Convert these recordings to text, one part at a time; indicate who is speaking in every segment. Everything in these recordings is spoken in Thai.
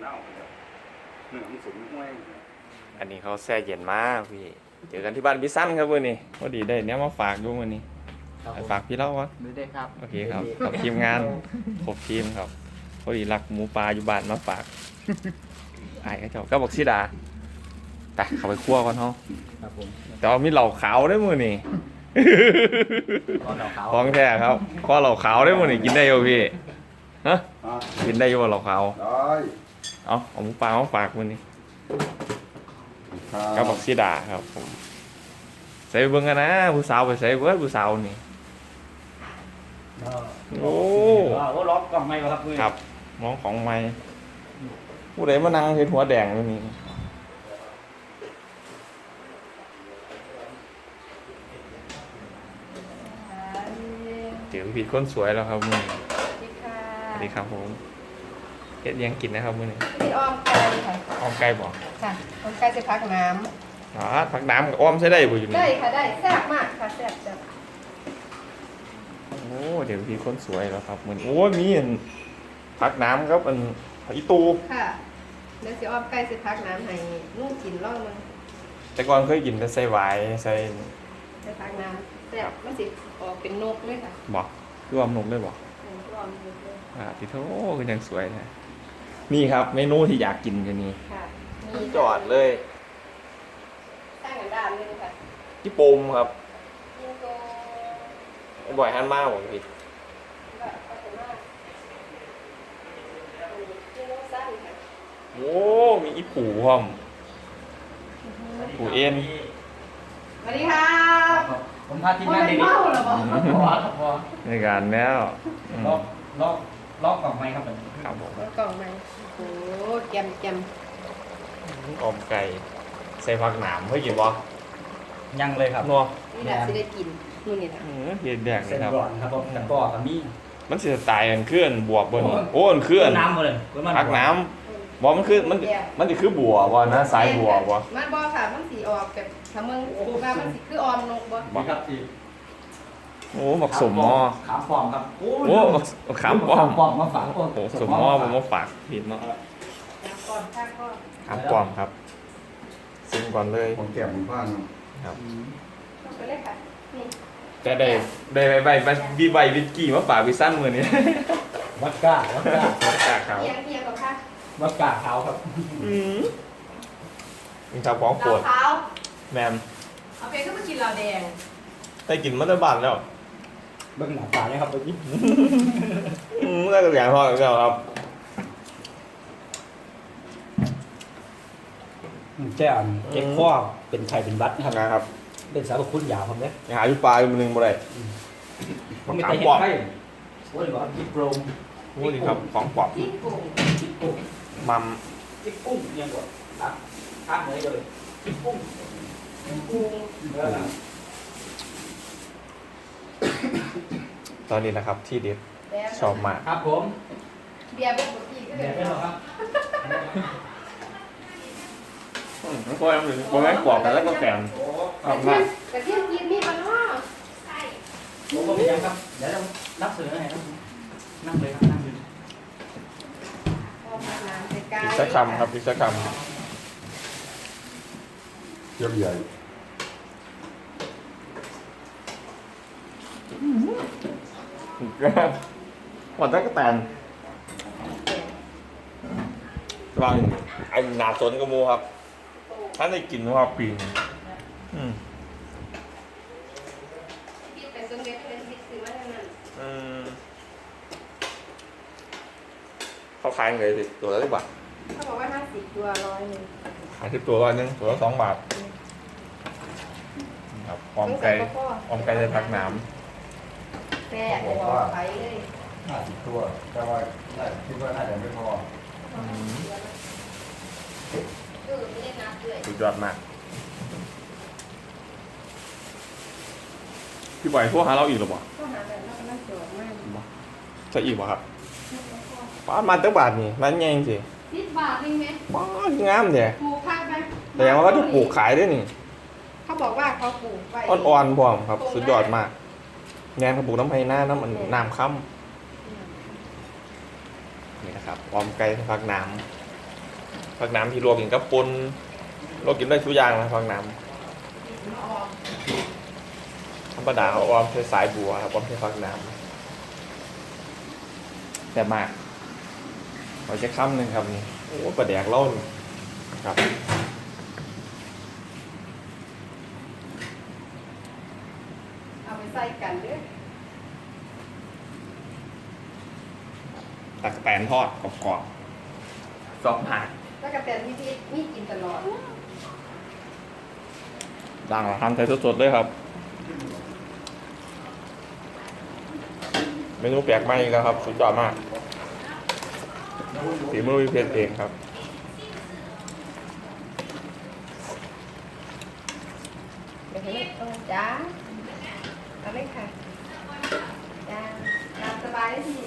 Speaker 1: เน่าเนื้อมันสูงห้วย
Speaker 2: อันนี้เขาแช่เย็นมากพี่เจอกันที่บ้านพี่สั้นครับวันนี้พอดีได้เนี้ยมาฝากด้วยวันนี้ฝากพี่เล่าวะ
Speaker 3: ได้ครับ
Speaker 2: โอเคครับกับทีมงานครบทีมครับพอดีรักหมูปลาอยู่บ้านมาฝากไอ้ก็เจ้าก็บอกชิดาแต่เข้าไปคั่วก่อนเฮา
Speaker 3: ครับผม
Speaker 2: แต่ว่ามีเหล่าขาวได้มือนี่
Speaker 3: ตอนเราเขา
Speaker 2: ของแท้ครับข้อเหล่าขาวได้มือนี่กินได้อยู่พี่ฮะกินได้อยู่บ่เหล่าขาว
Speaker 1: ได้
Speaker 2: เอาหมูปลามาฝากมือนี่ก็บอกชิดาครับผมใส่เบิ้งกันนะผู้สาวไปใส่เบิ้งผู้สาวนี่ โอ้
Speaker 3: ล็อกกล่องไม่ครับเพื่อน
Speaker 2: ครับน้องของไม่ผู้ใดมานั่งเห็นหัวแดงอยู่นี่เจอผิดคนสวยแล้วครับมือนี้
Speaker 4: สวัสดีค่ะ
Speaker 2: สวัสดีครับผมเฮ็ดยังกินนะครับมือนี้
Speaker 4: พี่อ้อมไก่ค่ะ
Speaker 2: อ้อมไก่บอก
Speaker 4: ค่ะอ้อมไก่จะพักน้
Speaker 2: อ๋อผักน้ำกับอ้อมใช้ได้บ่อยู่
Speaker 4: ำ
Speaker 2: นี่
Speaker 4: ได้ค่ะได้แซ่บมากค่ะแซ่บจัง
Speaker 2: โอ้เดี๋ยวผิดคนสวยแล้วครับมือนี้โอ้ยมีอันผักน้ำครับอันผักอีตู
Speaker 4: ค่ะเดี๋ยวสิอ้อมไก่สิพักน้ำให้นุ่งกินร่องมัน
Speaker 2: แต่ก่อนเคยกินแต่ใส่หวายใส่
Speaker 4: จะพักน้ำแซ่บมันสิออกเป็นนกเลยค่ะ
Speaker 2: บอกคืออ้อมนกได้บอก
Speaker 4: อ้อมนกเลย
Speaker 2: พี่โธ่คือยังสวยนะนี่ครับเมนูที่อยากกินกันนี่
Speaker 4: ค่ะมี
Speaker 2: จอดเลย
Speaker 4: ตั้งกันด้านเลยค่ะ
Speaker 2: ญี่ปมครับ
Speaker 4: ยิงโก
Speaker 2: บ่อยฮันมากผมพี่
Speaker 4: ก็พัฒนายิงโกสั้นค่ะ
Speaker 2: โอ้มีอีปูพร้อมปูเอ็น
Speaker 4: สวัสดีค่ะ
Speaker 3: ผมพาทีมงานเด็ก
Speaker 4: เมาเหรอบอก
Speaker 3: พอครับพอ
Speaker 2: ในการแล้วอืม
Speaker 3: ล็อกกล่องไม่ครับผม
Speaker 2: ครับผม
Speaker 4: กล่องมาโอ้โหแกมแกม
Speaker 2: อมไก่ใส่ผักหนามเพื่อกินบ่
Speaker 3: ยังเลยครับ
Speaker 2: นัว
Speaker 4: นี่แหละสิได้กินนู่นนี่นะ
Speaker 2: เย็นแดงเล
Speaker 3: เส้
Speaker 2: ย
Speaker 3: น
Speaker 2: ครับ
Speaker 3: ก่อนครับผมตะกร้อกับมี
Speaker 2: มันสิตายอันเคลื่อนบวกบนโอ้อันเคลื่อน
Speaker 3: น้ำมาเลย
Speaker 2: ผักหน้ำบ่มันคือมันสิคือบัวบ่นะสายบัวบ่
Speaker 4: มันบ่ค่ะมันสีออกแบบถ้ามึงว่ามันสีคือออมนกบ่
Speaker 3: นี่ครับที่
Speaker 2: โอ้หมักสมหม้อ
Speaker 3: ขามฟอมครับ
Speaker 2: โอ้ขามป้อม
Speaker 3: ฟอมมาฝาก
Speaker 2: โอ้สมหม้อผมมาฝากผิดเนาะ
Speaker 4: น้ำก่อนข้างก็
Speaker 2: ขามป้อมครับซิมก่อนเลย
Speaker 1: ผมแก้มผมบ้าน
Speaker 2: ครับ
Speaker 4: ลงไปเลยค่ะนี่
Speaker 2: แต่ใบวีใบวิสกี้มาฝากวิสั้นมือนี้
Speaker 3: วัดก้าวัดก้า
Speaker 2: จากเขา
Speaker 4: เอียงเอียงกับค่ะ
Speaker 3: วัดก้าขาวครับ
Speaker 2: มีชาวของโปรด
Speaker 4: ขาว
Speaker 2: แมม
Speaker 4: เอาไปก็มากินเราแดง
Speaker 2: ได้กินมัตเตอร์บันแล้ว
Speaker 3: เบื้องหน้าตาเนี่ยครับยิ้ม
Speaker 2: ได้กระแสพอแล้วครับ
Speaker 3: แจ้งเก็บข้อเป็นไข่เป็นบัตนะครับ
Speaker 2: นะครับ
Speaker 3: เป็นสารคุณยาวครับเนี่ย
Speaker 2: หาอยู่ปลาอยู่มือนึงบ่ได้
Speaker 3: ผมไม่
Speaker 2: ขา
Speaker 3: เค
Speaker 2: ม
Speaker 3: ยเห็
Speaker 2: ป้อน ม
Speaker 3: ไข่โอ้ยบอกจิ๊กโรม
Speaker 2: โอ้นี่ครับของปลอม
Speaker 4: ที่กุ้ง
Speaker 3: จิ๊กกุ้ง
Speaker 2: มัม
Speaker 3: จิ๊กกุ้งยังกว่าข้ามเลยเลยจิ๊กกุ้ง
Speaker 4: กุ้ง
Speaker 2: ตอนนี้นะครับที่เด็ด
Speaker 4: แล้ว
Speaker 2: ชอบมาก
Speaker 3: ครับผม
Speaker 4: เบียร์เป็นบุกี้ก็
Speaker 3: เดี๋
Speaker 4: เดี๋
Speaker 3: ย
Speaker 4: ยว ว
Speaker 3: ได้หรอครับ
Speaker 2: มันก็ยังบ่แม่นกรอบกันแล้วก็แกง
Speaker 3: โอ้
Speaker 2: ชอบมาก
Speaker 4: กระเทียมกินมีมันเนาะใช่
Speaker 3: ผมก็ไม่ยังครับเดี๋ยวเรานับเสือให้ครับนั่งเลยครับนั่งเลย
Speaker 4: พอมาน้ำใส่กา
Speaker 2: อีกสักคำครับอีกสักค
Speaker 1: เยี่ยมใหญ่
Speaker 2: ำหวานตะกะแตนวางไอ้หนาสนกระมูครับท่านได้กินว่าปีนอืม
Speaker 4: พี่ไปส่งเด็กเลยพี่ซื้อมาให้มัน
Speaker 2: อืมเขาขายไงสิตัวละ10 บาท
Speaker 4: เขาบอกว่า50ตัว100
Speaker 2: ขาย10 ตัว1ตัวละ2 บาทครับออมไก่ออมไก่ใส่ผักน้
Speaker 4: แซ่บบอกไปเลย
Speaker 1: 50 ตัวแต่ว่าคิดว่าน่าจะไม่พอ
Speaker 2: ำอืม
Speaker 4: ไม่ได้นับด้วย
Speaker 2: สุดยอดมากพี่บอยพวกหาเราอีกหรือเปล่า
Speaker 4: ก็หาแบบนั้นก็น่าจดมาก
Speaker 2: จะอีกป่ะครับป้ามาตั้งบาทนี่ร้านใหญ่จริง
Speaker 4: 10 บาทเองไหม
Speaker 2: ๆป้างามเนี่ย
Speaker 4: ปลูกพักไหม
Speaker 2: แต่ว่าเขาจะปลูกขายด้วยนี่
Speaker 4: เขาบอกว่าเขาปลูกไว้
Speaker 2: อ่อนๆพร้อมครับ สุดยอดมากแนนเขาปลูกน้ำไผ่หน้าน้ำมันน้ำค่ำนี่นะครับออมไก่ผักน้ำผักน้ำที่ลวกกินกับปนลวกกินได้ทุกอย่างนะผักน้ำธรรมดาเอาออมใช้สายบัวครับออมใช้ผักน้ำแต่มากเราจะค้ำหนึ่งครับนี่โอ้ปลาแดกเล่านี่ครับ
Speaker 4: เอาไปใส่กันเด้อ
Speaker 2: ตักแตนทอดกรอบๆซอกหัก
Speaker 4: แล้วก็แต่มีกินตลอด
Speaker 2: ด่างละทำใส่สดๆเลยครับ เมนูแปลกใหม่อีกแล้วครับสุดยอดมากฝีมือวิเพียรเองครับ
Speaker 4: เดี๋ยวให้จ้าเอาเลยค่ะจ้าตามสบายได้ที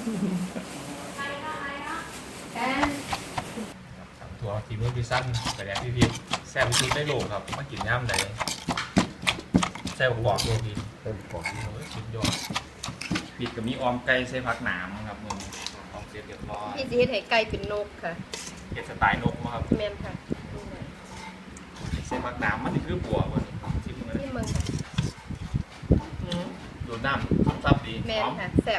Speaker 4: แอน
Speaker 2: ถั่วฝีมือพิซซ่าแต่แดกพี่พีแซ่บที่สุดได้โลกครับมากินย่ำไหนแซ่บกว่าตัวพี
Speaker 1: เต็มปอด
Speaker 2: สุดยอดปิดกับมีออมไก่ใส่ผักหนามครับมึงออมเสร็จเรียบร้อย
Speaker 4: พี่สิเฮ็ดให้ไก่เป็นนกค่ะ
Speaker 2: เก็บสไตล์นกมาครับ
Speaker 4: แม่นค่ะ
Speaker 2: ใส่ผักหนามมันนี่คือบัวมันชิมเลย
Speaker 4: ที่เมืองค่ะ
Speaker 2: ดูดน้ำซับดี
Speaker 4: แม่
Speaker 2: ห
Speaker 4: น
Speaker 2: อม
Speaker 4: ค่ะแซ่บ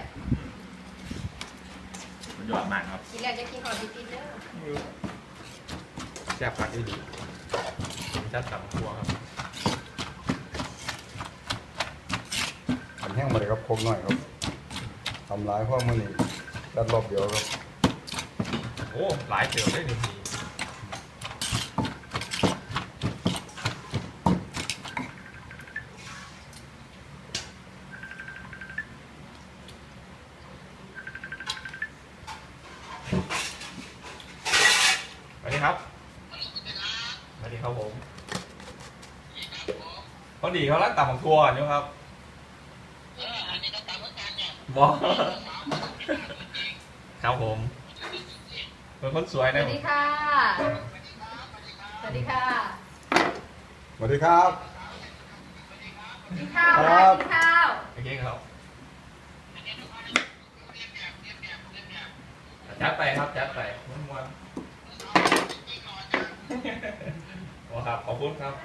Speaker 2: สุดยอดมากครับ
Speaker 4: กินแล้วจะกินก่อนพี่เด้อ
Speaker 2: แซ่บผักได้ดีจัดกับครัวครับ
Speaker 1: ขันแห้งมาเลยครับโคกหน่อยครับทำร้ายพวกมันนี่ดัดรอบเดียวครับ
Speaker 2: โอ้หลายเติมได้หนึ่งทีสวัสดีครับสวัสดีครับผมพอดีเขาลักต่ำของทัวร์อยู่ครับบอครับผมเป็นคนสวย
Speaker 4: ส
Speaker 2: นะ
Speaker 4: วัสดีค่ะ สวัสดีค่ะ
Speaker 1: สวัสดีครับ
Speaker 4: กินข้าว
Speaker 1: ครั
Speaker 4: ค่ะ
Speaker 1: บ
Speaker 4: กินข้าว
Speaker 2: โอเคครับจัดไปครับจัดไปม้วนๆโอ้ครับขอบคุณครับ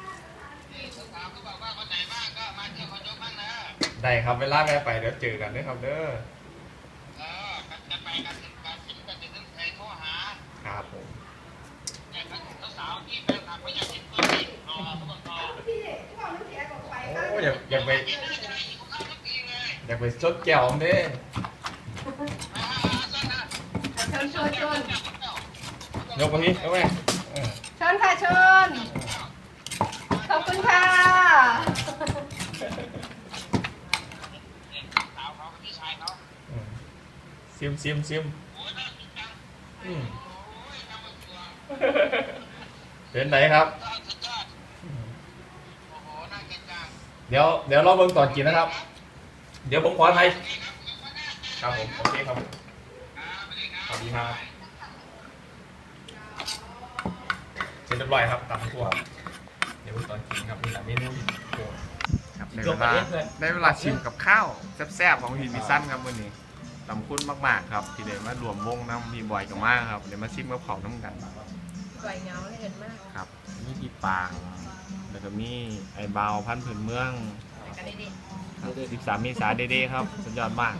Speaker 2: ได้ครับเวลาแม่ไปเดี๋ยวเจอกันด้วยครับเด้อครับผม
Speaker 4: พี่ที่บอกน้ำเสียบอกไป
Speaker 2: โอ้อยากไปชดแก้วผมเด้
Speaker 4: ชนชนชน
Speaker 2: ยกมาพี่ยกไป
Speaker 4: ชนค่ะชน ขอบคุณค่ะ
Speaker 2: ซิมเป็นไหนครับเดี๋ยวเราเบิ่งตอนกินนะครับ เดี๋ยวผมขอไทยครับผมโอเคครับสวัสดีครับเสร็จเรียบร้อยครับตำทั่วเดี๋ยวตอนกินครับนี่แหละเมนูโปรดครับได้เวลาชิมกับข้าวแซ่บๆของพี่มิสั้นครับวันนี้ขอบคุณมากๆครับที่ได้มารวมวงน้ำพี่บอยกับมากครับเดี๋ยวมาชิมกับเผาน้ำกัน
Speaker 4: สวยเงาเลยเห็นมาก
Speaker 2: ครับมีพี่ปางแล้วก็มีไอ้บาวพันธุ์พื้นเมือง
Speaker 4: แต่กันได้ดี
Speaker 2: 13 เมษายนเด้ๆครับสุดยอดมาก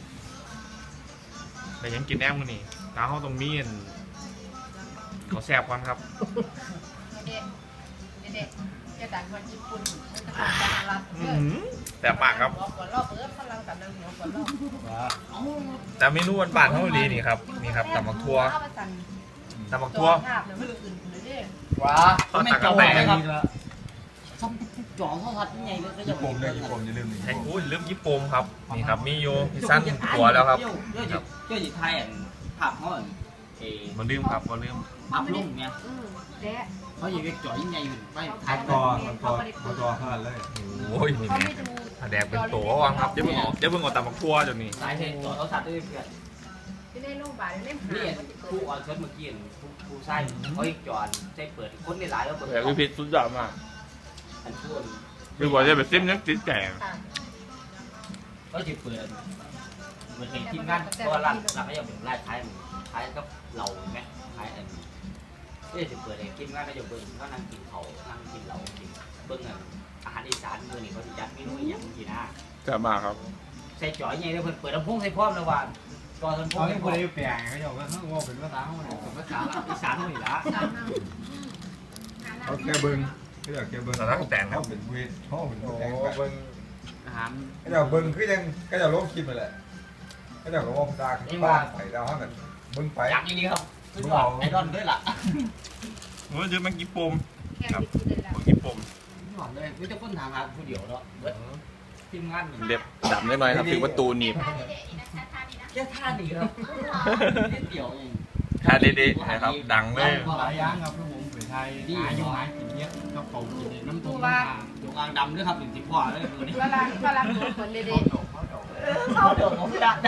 Speaker 2: แต่ยังกินแอมกันนี่ตาเขาตรงมีนเขาแซ่บก่อนครับ
Speaker 4: เด็ดเด็ดจะต่างคนญี่ปุ่นจะต่างกันรับ
Speaker 2: แซ่บมากครับ
Speaker 4: หัวรอบเปิดพลังกับนางหัวรอบ
Speaker 2: แต่เมนูบ้านๆเขาดีนี่ครับนี่ครับตำบักทั่วตำบักทั่ว
Speaker 4: ภาพเนี่ยมันอื่นเลยดิ
Speaker 3: ว้า
Speaker 2: เขาตักกาแฟนะครับ
Speaker 3: ช่องจ่อเขาทัดยังไงเลยก็
Speaker 1: ญี่ปุ่นเลยญี่ปุ่นอย่าลืมนี่
Speaker 2: ไอ้อุ้ยลืมญี่ปุ่นครับนี่ครับมีโยพิซซ่าตัวแล้วครับ
Speaker 3: เจ้าจิตไทยอ่ะผับเขาอ่ะเอ
Speaker 2: มาลืมครับมาลืม
Speaker 3: ผับลุ่มเนี่ย
Speaker 4: เด็ด
Speaker 3: เขาอยู่จ่อยังไงอยู่ไม่
Speaker 1: มันกอเท่านั้นเลย
Speaker 2: โอ้ยนี่
Speaker 4: เขา
Speaker 2: แม่
Speaker 4: ไม่ดู
Speaker 2: แดกเป็นตัววังครับเดี๋ยวเพิ่งออกตำบักทั่วจนนี่
Speaker 3: สายเทจ่อเขาทัดด้วยเพื่อน
Speaker 4: ที่ได้โรงพยาบาลเล่มหา
Speaker 3: นี่
Speaker 4: มันจะเปิ
Speaker 3: ผู้
Speaker 4: ด
Speaker 3: อ่อนเชิญเมื่อกี้ผู้ใส่เขาอีกจ่อใช้เปิดคนในหลายแล้วเปิด
Speaker 2: แต่พี่พิษสุดยอดมาก
Speaker 3: อันช่วง
Speaker 2: พี่บอกจะไปซิมยังติดแก่
Speaker 4: ค่ะ
Speaker 3: เขาจะเปิดเหมือนเห็นทีมงานเพราะว่าร้านก็ยังเป็นร้านขายก็เราไหมขายอันจะเปิดเองทีมงานก็ยังเบิ่งก็นั่งกินเขานั่งกินเรากินเบิ่งอาหารอีสานมื้อนี้เขาสิจัดเมนูอย่างกินนะ
Speaker 2: จะมาครับ
Speaker 3: ใส่จ่อยใหญ่เลยเพิ่นเปิดลำโพงใส่พร้อมเลยว่าตอนลำโพง
Speaker 1: เขาไม่พูดได้แปลงเขาจะว่าเขาว่าเป็นภาษาเขาเนี่ย
Speaker 3: ภาษาอีสานเฮานี่ล่ะ
Speaker 1: เขาแกเบิ้งเขาอยากแกเบิ้ง
Speaker 2: สาระแต่งครับ
Speaker 1: เขาเป็นเวทเขาเป็น
Speaker 2: โอ้
Speaker 1: แกง
Speaker 2: เบิ่ง
Speaker 3: อาหาร
Speaker 1: เขาจะเบิ้งคือยังเขาจะลงคลิปไปแหละเขาจะก็ว่าภาษาบ้านไปดาวเขาแบบเบิ้งไป
Speaker 3: อยากอย่างนี้ครับสุดยอดไอดอลด้วยล่ะ
Speaker 2: โอ้ยเดี๋ยวมันกี่ปม
Speaker 4: แค่นี้คือได้แล้ว
Speaker 2: มันกี่ปม
Speaker 3: หอมเลยไม่จะคนถามหาผู้เดียวเนาะเบิดทีมงานนี่
Speaker 2: เล็บดำได้หน่อยครับถึงประตูหนีบ
Speaker 3: แค่ท่านี้ครับนิดเดียวเอง
Speaker 2: ถ้าเด็ดๆนะครับดังเลย
Speaker 5: หลายอย่างครับที่ผมไปไทยหาอยู่หากินเยอะก็เป่ากินน้ำตกน้ำตา
Speaker 3: ดวงอ่างดำด้วยครับถึงที่พ่อเลยมือนี้
Speaker 4: เวลาตัวคนเด็ด
Speaker 3: เข้าเดี๋ยวผมจะ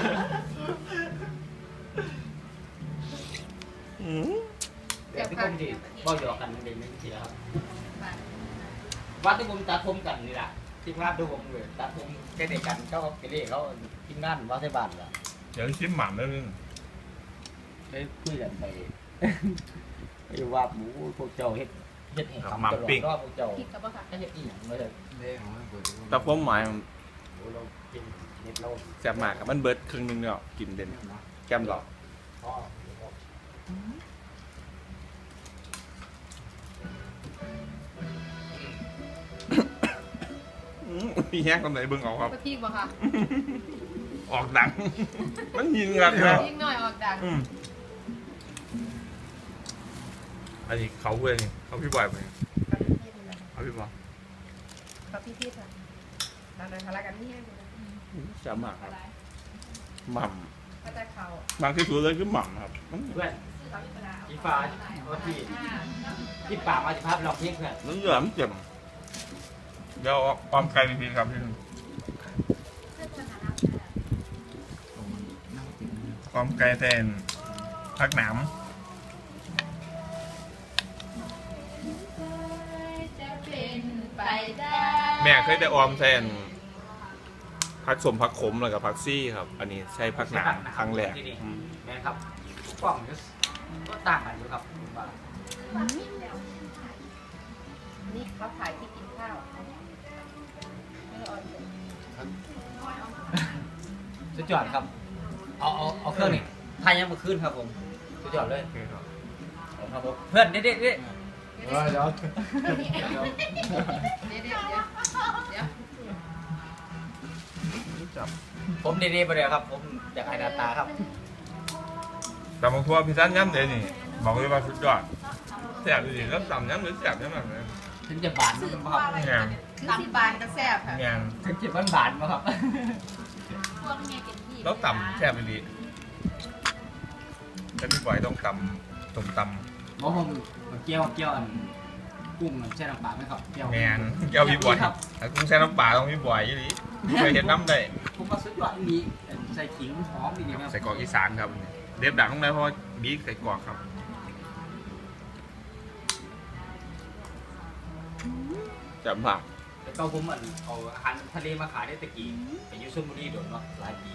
Speaker 3: เดี๋ยวที่ผมดีบ่หยอกกันเด่นไม่ใช่ครับวัดที่ผมตัดผมกันนี่แหละทีมงานดูผมเลยตัดผมแค่เด็กกันเขาไปเรียกเขาทีมงานวัดที่บ้านละ
Speaker 2: เดี๋ยวชิมหม่ำได้เลย
Speaker 3: ได้คุยกันไปอยู่ว่าหมูพวกเจ้าเฮ็ดให้คำตลอดก็พวกเจ้า
Speaker 4: คิดกับว่าค่ะ
Speaker 3: เฮ็ดอีหยังไม่ได้
Speaker 2: แต่ผมหมาย
Speaker 3: เรากินเน็ตเรา
Speaker 2: แซ่บมากครับมันเบิดครึ่งนึงเนี่ยกินเด่นแก้มหลอก
Speaker 3: พ่อ
Speaker 2: พี่แห้งคนไหนเบิ่งเอาครับ
Speaker 4: ก็ทิ้งบ่ค่ะ
Speaker 2: ออกดัง มันยิงกันนะ
Speaker 4: ทิ้งหน่อยออกดัง
Speaker 2: อันนี้เขาเว้ยนี่เขาพี่บอยไปเขาพี่บอย
Speaker 4: กับพี่ค่ะตอนนั้นทะเลาะกันนี่
Speaker 2: แซ่บมากครับหม่
Speaker 4: ก็จะเขา
Speaker 2: ำบางที่สุดเลยคือหม่ำครับมัน
Speaker 3: เพื่อนอีฟ้าว่าที่ป่ามาสิภาพลองเพียงเพื่อน
Speaker 2: มันเหลือมเจ็บเดี๋ยวเอาความไกลไปพีครับพี่ความไกลแทนพักหนาม
Speaker 4: จะเป็นไปได้
Speaker 2: แม่เคยได้ออมแทนพักสมพักขมแล้วกับพักซี่ครับ อันนี้ใช้พักหนามครั้งแรก
Speaker 3: แม่ครับกล้องก็ต่างกันอยู่ครับว่า
Speaker 4: นี่เขาขายที่กินข้าวไม่ออน
Speaker 3: สุดยอดครับเอาเครื่องนี่ทายยังมาขึ้นครับผมสุดยอดเลยครับผมเพื่อนเด็ด
Speaker 1: เดี๋ยว
Speaker 4: เดี๋ยวเดี๋ยว
Speaker 3: ผมเด็ดไปเลยครับผมอยากให้หน้าตาครับ
Speaker 2: แต่บางทัวพี่สั้นย้ำเลยนี่บอกเลยว่าสุดยอดแซ่บดีแล้วต่ำย้ำหรือแซ่บย้ำแบบไหน
Speaker 3: ถึงจะบานมั้งครับ
Speaker 2: งาน
Speaker 4: ตำบานก็แซ่บค่ะ
Speaker 2: งาน
Speaker 3: ถึงจะบานมั้งครับ
Speaker 2: แล้วต่ำแซ่บดีแต่พี่บอยต้องต่ำต้มต่ำ
Speaker 3: เพราะผมเกี่ยวอันกุ้งแช่น้ำปลาไหมครับเกี่ยว
Speaker 2: งานเกี่ยวพี่บอยถ้ากุ้งแช่น้ำปลาต้องพี่บอยยี่หลีเคยเห็นน้ำได้
Speaker 3: ผมก็สุดยอดดีใส่ขิงหอมดีครับ
Speaker 2: ใส่กรอกอีสานครับเรียบดังตรงไหนเพราะว่าบีใส่กรอกครับจับผัก
Speaker 3: แล้วก็ผมเอาอาหารทะเลมาขายได้ตะกี้ไปยูซุมบุรีโดนเนาะหลายปี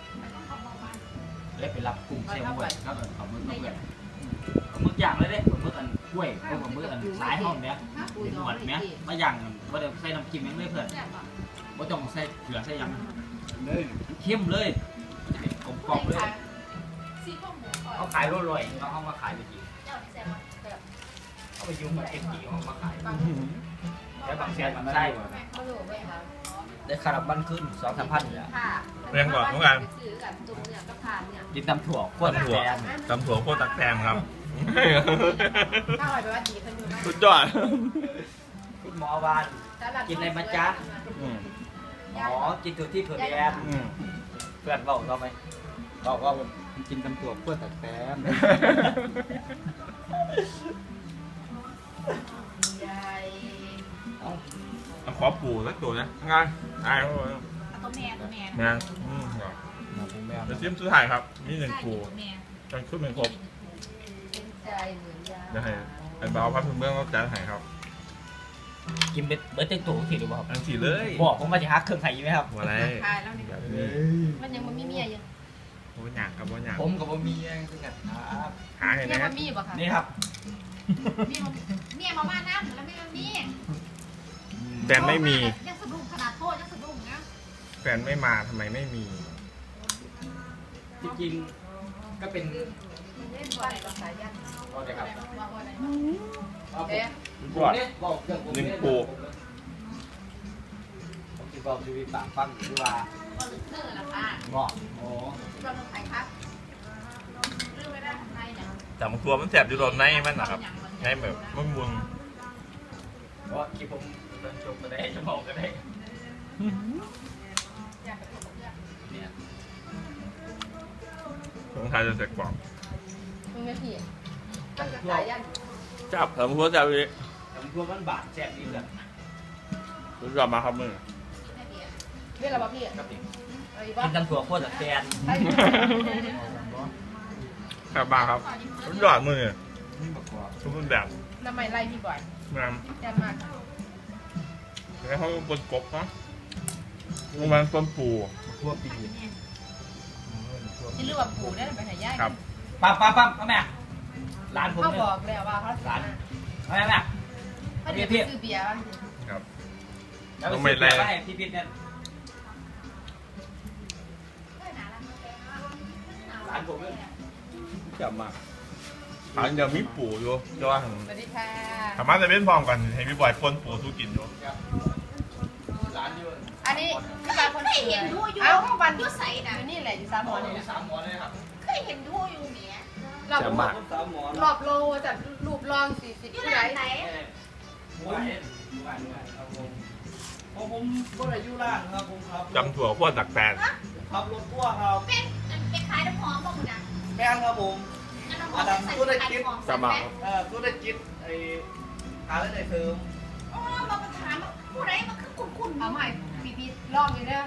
Speaker 3: แล้วไปรับกุ้งเซลล์ด้วยครับเอามือเพื่อนเอามือย่างเลยเด้เอามือกล้วยเอามือสายห้องเนี้ยเป็นหนวดเนี้ยมาย่างว่าเดี๋ยวใส่น้ำจิ้มยังไม่เพื่อนว่าต้องใส่เกลือใส่ยังเลยเข้มเลยกลมกล่อมเลยเขาขายรวยๆเขามาขายไปกี่เขาไปยุ่งกับเอ็มจีเขามาขายแล้วบางแสนบางไส้ได้คาราบันขึ้น2-3 พันเลย
Speaker 4: ค่ะ
Speaker 2: เรียงก่อนทุกการ
Speaker 4: ซื้อกับตุ้มเนี่ยก็ผ่านเนี่ย
Speaker 3: กินตำถั่วขั้วตำถั่ว
Speaker 2: ตำถั่วโคตรตักแตงครับ
Speaker 4: ถ้าอร่อยไปว่าดีขึ้นอยู่มาก
Speaker 2: สุดยอด
Speaker 3: คุณหมอวานกินอะไรมาจ๊ะอ๋อกินถั่วที่ถั่วแดงเพื่อนบอกเราไหมบอกว่ากินตำถั่วขั้วตักแตง
Speaker 4: ใหญ่
Speaker 2: ขอปูสักตัวนะงานอาย
Speaker 4: ตัวแม่
Speaker 2: งานเดี๋ยวชิมสุดท้ายครับนี่หนึ่งปูจนขึ้นเป็นครบ
Speaker 4: เป็นใจเหมือนยา
Speaker 2: เดี๋ยวให้ไอ้บ่าวพัดเมืองก็จะให้ครับ
Speaker 3: กินเบิร์ดเต็มตัวสิหรือเปล่า
Speaker 2: ทั้งสี่เลย
Speaker 3: บอกผมมาจะฮักเครื่องไข่ไหมครับ
Speaker 2: หัวอะไร
Speaker 4: ตายแล้วนี่
Speaker 2: แบบนี้
Speaker 4: มันยังมันมีเมียยัง
Speaker 2: โอ้ยหยางครับว่าหยาง
Speaker 5: ผมกับบ่มีแย่งคือกันครับ
Speaker 2: หาเห็น
Speaker 4: เมีย
Speaker 2: ไหม
Speaker 4: มันมีป่ะคะ
Speaker 3: นี่ครับ
Speaker 4: เมียมาบ้านน้ำแล้วไม่มันมี
Speaker 2: แฟนไม่มี
Speaker 4: ยังสะดุ้งขนาดโทษยังสะดุ้งนะ
Speaker 2: แฟนไม่มาทำไมไม่มี
Speaker 3: จริงๆก็เป็น
Speaker 4: เล่นบอลกับสายยัน
Speaker 3: เอาเลยครับ
Speaker 4: ว่าบอลอะไร
Speaker 3: เอ๊ะ
Speaker 2: ก่อน
Speaker 3: บอกเครื่องผม
Speaker 2: หนึ่งปู
Speaker 3: ผมจะบอกชีวิตปากฟังดูว่า
Speaker 4: บอลเนื้อละค่ะ
Speaker 3: บอกโอ้
Speaker 4: บอลไทยครับเรื่องไม่ได้ไทยเนี่ย
Speaker 2: แต่มันตัวมันแสบอยู่ตอนในมันนะครับในแบบมันมุน
Speaker 3: เพราะคลิปผมเดินจบก็ได้จะบอกก็ได้
Speaker 4: อยากไปพูดกับเพื่อน
Speaker 3: เนี่ย
Speaker 2: ของไทยจะเสร็จกว่า
Speaker 4: มึงไม่ผิดตั้งแต่สายยัน
Speaker 2: จับทำหัวจับเลย
Speaker 3: แต่ผมกลัวมันบาดแสบนี่เลย
Speaker 2: รู้จักมาครับมึง
Speaker 4: เรื่องอะไรบ้างพี่
Speaker 3: ครับพี่
Speaker 4: อะไรบ้า
Speaker 3: กิ
Speaker 4: ง
Speaker 3: นกันถั่วโคตรจากแกน
Speaker 2: ครับมาครับรู้จักมือ
Speaker 5: นี่บักกว่า
Speaker 2: ทุกรูปแบบ
Speaker 4: ทำไมไล่พี่บ่อย
Speaker 2: งาม
Speaker 4: แย่มาก
Speaker 2: แล้วเขาบนกบเนาะมันต้นปู
Speaker 5: ทั่วปี
Speaker 4: ที่เรื่องว่าปู่ได้ไปหายาย
Speaker 2: ครับ
Speaker 3: ปั๊มเอาแม่ร้านผม
Speaker 4: เขา
Speaker 3: เนี่ย
Speaker 4: บอกแล้วว่าเขาสาร
Speaker 3: เอาแม่
Speaker 4: เขาเดี๋ยวซื้อเบียร์บ้าง
Speaker 2: ครับ
Speaker 3: แล้วไปซื้อเบียร์ไว้ให้พี่พิษเนี่ยร้านผมเนี่ย
Speaker 2: จับมาอันเดียวมีปูอยู่จะว่า
Speaker 4: สวัสดีค่ะ
Speaker 2: สามารถจะเป็นพร้อมกันให้พี่บอยปนปูสู้กินอยู่
Speaker 3: ร้านอยู่
Speaker 4: อันนี้ที่บ้านคนเห็นดูอยู่เอ้าวันยุใส่นะนี่แหละอยู่สามหมอนี่
Speaker 3: 3 หมอเลยครับ
Speaker 4: เคยเห็นดูอยู่เนี้ยรอบ
Speaker 2: จับมา
Speaker 3: 3 หมอ
Speaker 4: รอบโลจากรูปรอง40ผู้ใด
Speaker 3: หมูครับผมก็เลยอยู่ร้านครับผมครับ
Speaker 2: จำถั่วพวกตักแตน
Speaker 3: ขับรถพ่วงครับ
Speaker 4: เป็นขายน้ำหอมบ้างนะ
Speaker 3: แม่นครับผม
Speaker 4: น้ำหอมใส่ขายของ
Speaker 2: จับมา
Speaker 3: ธุรกิจไอ้หาเรื่องไหนเสริม
Speaker 4: อ๋อมาถามผู้ใดมาคือคุณเอาใหม่ปีๆลองอยู่เด้อ